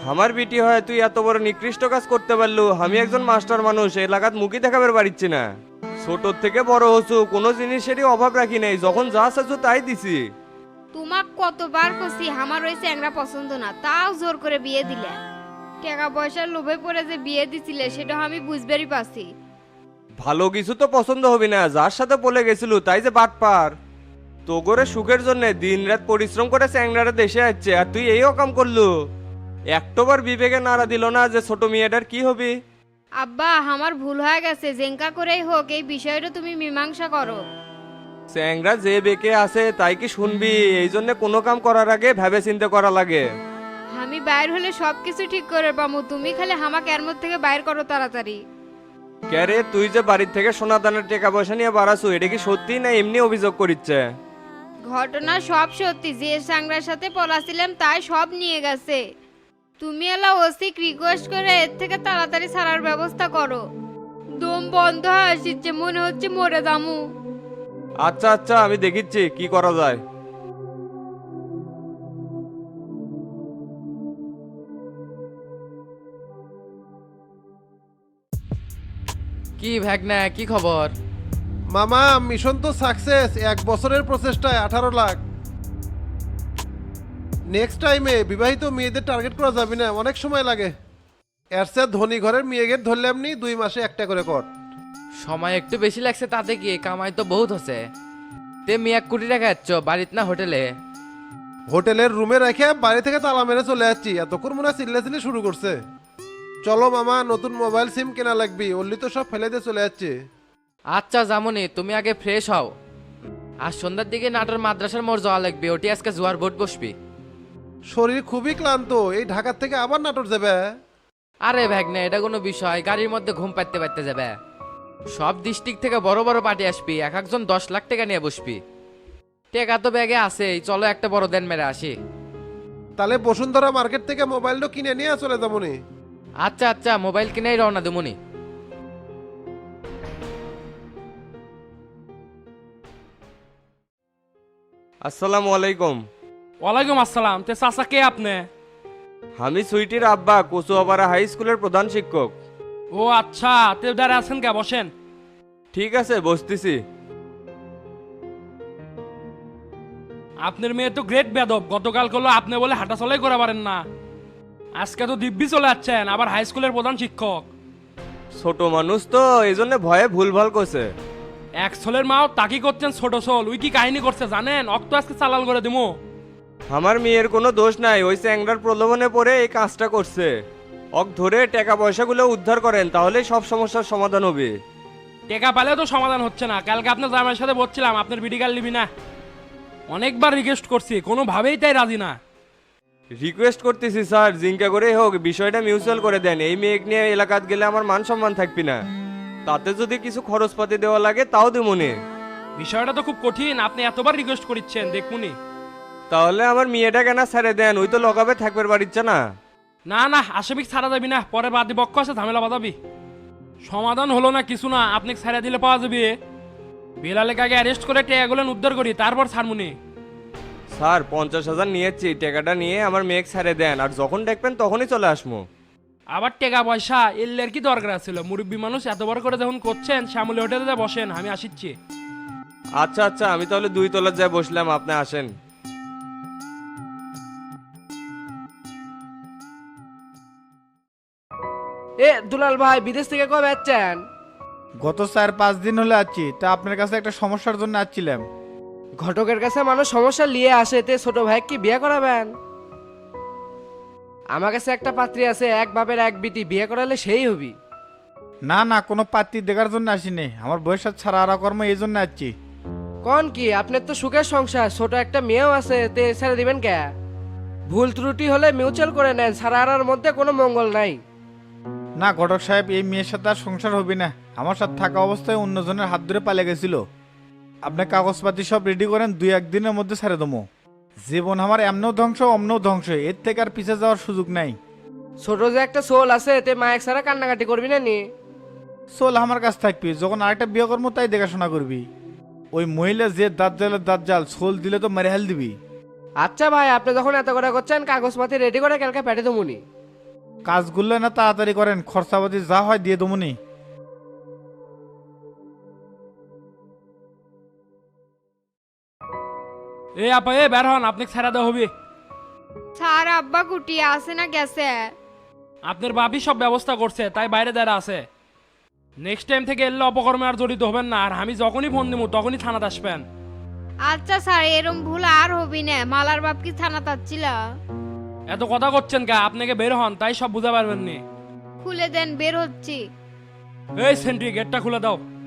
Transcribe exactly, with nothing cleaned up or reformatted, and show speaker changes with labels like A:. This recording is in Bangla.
A: আমার বিটি হয় তুই এত বড় নিকৃষ্ট কাজ করতে পারলু? আমি একজন মাস্টার মানুষ, এলাকাত মুখই দেখাবার পারিচ্ছি না। ছোট থেকে বড় হচ্ছু, কোনো জিনিসেরই অভাব রাখি নাই, যখন যা চাচ্ছু তাই দিছি।
B: তোমাক কতবার কছি আমার ওই চ্যাংরা পছন্দ না, তাও জোর করে বিয়ে দিলে। টাকা পয়সার লোভে পড়ে যে বিয়ে দিছিলে সেটা আমি বুঝবারই পারছি।
A: ভালো কিছু তো পছন্দ হবে না, যার সাথে বলে গেছিল তাই যে বাট পার। তো করে সুখের জন্য দিন রাত পরিশ্রম করে চ্যাংরাটা দেশে আসছে, আর তুই এইও কাম করলু। একটোবার বিবেকে নাড়া দিল না যে ছোট মেয়েটার কি হবি?
B: আব্বা আমার ভুল হয়ে গেছে, জেঙ্কা করেই হোক এই বিষয়টা তুমি মীমাংসা করো।
A: চ্যাংরা যে বেঁকে আছে তাই কি শুনবি? এই জন্য কোনো কাম করার আগে ভেবে চিন্তে করা লাগে।
B: আমি বাইর হলে সবকিছু ঠিক করে পামু, তুমি খালি হামাক এর মধ্যে থেকে বাইর করো তাড়াতাড়ি।
A: ক্যারে তুই যে বাড়ির থেকে সোনা দানের টাকা পয়সা নিয়ে বাড়াছু, এটা কি সত্যি না এমনি অভিযোগ করিচ্ছে?
B: ঘটনা সব সত্যি, যে সাংরার সাথে পলাছিলাম তাই সব নিয়ে গেছে। তুমি এলা ওসিক রিকোয়েস্ট করে এর থেকে তাড়াতাড়ি ছাড়ার ব্যবস্থা করো। দম বন্ধ হয়ে আসছে, মনে হচ্ছে মরে যামু।
A: আচ্ছা আচ্ছা, আমি দেখিচ্ছি কি করা যায়।
C: কি ভাগনা, কি খবর?
D: মামা মিশন তো সাকসেস, এক বছরের প্রচেষ্টায় আঠারো লাখ। নেক্সট টাইমে বিবাহিত মেয়েদের টার্গেট করা যাবে না, অনেক সময় লাগে। এর চেয়ে ধনী ঘরের মেয়েদের ধরলাম নি, দুই মাসে একটা করে কর।
C: সময় একটু বেশি লাগছে, তাতে কি কামাই তো বহুত হচ্ছে। তে মি এক কোটি টাকা যাচ্ছ বাড়িত না হোটেলে?
D: হোটেলের রুমে রেখে বাড়ি থেকে তালা মেরে চলে যাচ্ছি, এতক্ষণ মনে হয় চিল্লাচিল্লি শুরু করছে। চলো মামা, নতুন মোবাইল সিম কেনা লাগবি, অল্লি তো সব ফেলে দিয়ে চলে যাচ্ছে।
C: আচ্ছা জামনি, তুমি আগে ফ্রেশ হও। আর সন্ধ্যার দিকে নাটোর মাদ্রাসার মোড় যাওয়া লাগবে, ওটি আজকে জোয়ার বোট বসবি।
D: শরীর খুবই ক্লান্ত, এই ঢাকার থেকে আবার নাটোর যাবে?
C: আরে ভাগনা, এটা কোনো বিষয়? গাড়ির মধ্যে ঘুম পাইতে পাইতে যাবে। সব ডিস্ট্রিক্ট থেকে বড় বড় পার্টি আসবি, এক একজন দশ লাখ টাকা নিয়ে বসবি। টাকা তো ব্যাগে আছে, চলো একটা বড় দেন মেরে আসি।
D: তাহলে বসুন্ধরা মার্কেট থেকে মোবাইলটা কিনে নিয়ে চলে যাবো নি।
C: আচ্ছা আচ্ছা, মোবাইল কিনেই রওনা দেবনি।
A: আসসালামু আলাইকুম।
E: ওয়ালাইকুম আসসালাম। তে চাচা কে আপনি?
A: আমি সুইটির আব্বা, কচুয়াপাড়া হাই স্কুলের প্রধান শিক্ষক।
E: ও আচ্ছা, তে দাঁড়া আছেন কে, বসেন।
A: ঠিক আছে, বসতেছি।
E: আপনার মেয়ে তো গ্রেট বেদব, গতকাল করলো আপনি বলে হাঁটা চলাই করা পারেন না, আজকে তো দিব্যি চলে যাচ্ছেন, আবার হাই স্কুলের প্রধান শিক্ষক।
A: ছোট মানুষ তো এই জন্য ভয়ে ভুলভাল করছে।
E: এক ছোলের মাও তাকি করছেন ছোট ছোল, উই কি কাহিনী করছে জানেন? অক্ত আজকে চালাল করে দিমু।
A: আমার মেয়ের কোনো দোষ নাই, ওই চ্যাংরার প্রলোভনে পড়ে এই কাজটা করছে। অক ধরে টাকা পয়সাগুলো উদ্ধার করেন, তাহলেই সব সমস্যার সমাধান হবে।
E: টেকা পেলেও তো সমাধান হচ্ছে না। কালকে আপনার জামাইয়ের সাথে বলছিলাম আপনার বিডি কার্ড নিবি না, অনেকবার রিকোয়েস্ট করছি, কোনোভাবেই তাই রাজি না।
A: রিকোয়েস্ট করতেছি স্যার, জিঙ্কা করেই হোক বিষয়টা মিউচুয়াল করে দেন। এই মেয়েকে নিয়ে এলাকাত গেলে আমার মান সম্মান থাকবি না। তাতে যদি কিছু খরচপাতি দেওয়া লাগে তাও দেবনি।
E: বিষয়টা তো খুব কঠিন, আপনি এতবার রিকোয়েস্ট করিচ্ছেন, দেখুনি।
A: তাহলে আমার মেয়েটা কেনা ছেড়ে দেন, ওই তো লগাবে থাকবে বাড়িচ্ছে না।
E: না না, আসামিক ছাড়া যাবি না, পরে বাদী পক্ষ আছে ঝামেলা বাঁধাবি। সমাধান হলো না কিছু না, আপনি ছাড়া দিলে পাওয়া যাবে। বেলালে আগে অ্যারেস্ট করে টেয়াগুলো উদ্ধার করি, তারপর ছাড়মুনি।
A: স্যার পঞ্চাশ হাজার নিয়েছি, টাকাটা নিয়ে আমার মেয়েকে ছেড়ে দেন, আর যখন দেখবেন তখনই চলে আসবো।
E: আবার টেকা পয়সা এলের কি দরকার ছিল? মুরব্বী মানুষ এত বড় করে যখন করছেন, শ্যামলী হোটেলে যা বসেন, আমি আসিচ্ছি।
A: আচ্ছা আচ্ছা, আমি তাহলে দুই তলার যায় বসলাম, আপনি আসেন।
F: এ দুলাল ভাই, বিদেশ থেকে কবে আসছেন?
G: গত চার পাঁচ দিন হলে আছি। তা আপনার কাছে একটা সমস্যার জন্য আসছিলাম।
F: ঘটকের কাছে মানুষ সমস্যা নিয়ে আসে, তে ছোট ভাই কি বিয়ে করাবেন? আমার কাছে একটা পাত্রী আছে, এক বাপের এক বিটি, বিয়ে করালে সেই হবি।
G: না না, কোনো পাত্রী দেখার জন্য আসিনি, আমার বয়স ছাড়া আরা কর্ম এই জন্য আসছি।
F: কোন কি, আপনার তো সুখের সংসার, ছোট একটা মেয়েও আছে, তে ছেড়ে দিবেন কে? ভুল ত্রুটি হলে মিউচুয়াল করে নেন, ছাড়া আরার মধ্যে কোনো মঙ্গল নাই।
G: না ঘটক সাহেব, এই মেয়ের সাথে আর সংসার হবে না। আমার সাথে থাকা অবস্থায় অন্যজনের হাত ধরে পালিয়ে গেছিল। আপনি কাগজপাতি সব রেডি করেন, দুই একদিনের মধ্যে ছেড়ে দেবো। জীবন আমার এমনও ধ্বংস অমনও ধ্বংস, এর থেকে আর পিছিয়ে যাওয়ার সুযোগ নাই।
F: ছোট যে একটা সোল আছে, তে মায়ের ছাড়া কান্নাকাটি করবি না নি?
G: চল আমার কাছে থাকবি, যখন আরেকটা বিয়ে করবো তাই দেখাশোনা করবি। ওই মহিলা যে দাঁত জালে দাঁত জাল, সোল দিলে তো মেরে হেল দিবি।
F: আচ্ছা ভাই, আপনি যখন এত করে করছেন, কাগজপাতি রেডি করে কালকে পেটে দেবুনি।
G: কাজগুলো না তাড়াতাড়ি করেন, খরচাপাতি যা হয় দিয়ে দমুনি।
E: এ আপা এ বের হন, আপনাকে ছেড়ে দেওয়া হবে।
B: স্যার আব্বা কুটিয়ে আছে না গেছে?
E: আপনার বাপি সব ব্যবস্থা করছে, তাই বাইরে দাঁড়া আছে। নেক্সট টাইম থেকে এলে অপকর্মে আর জড়িত হবেন না, আর আমি যখনই ফোন দিব তখনই থানাতে আসবেন।
B: আচ্ছা স্যার, এরম ভুল আর হবি না। মালার বাপ কি থানা তাচ্ছিল?
E: এত কথা করছেন কা? আপনাকে বের হন, তাই সব বুঝতে পারবেন নি।
B: খুলে দেন, বের হচ্ছি।
E: এই সেন্ট্রি, গেটটা খুলে দাও।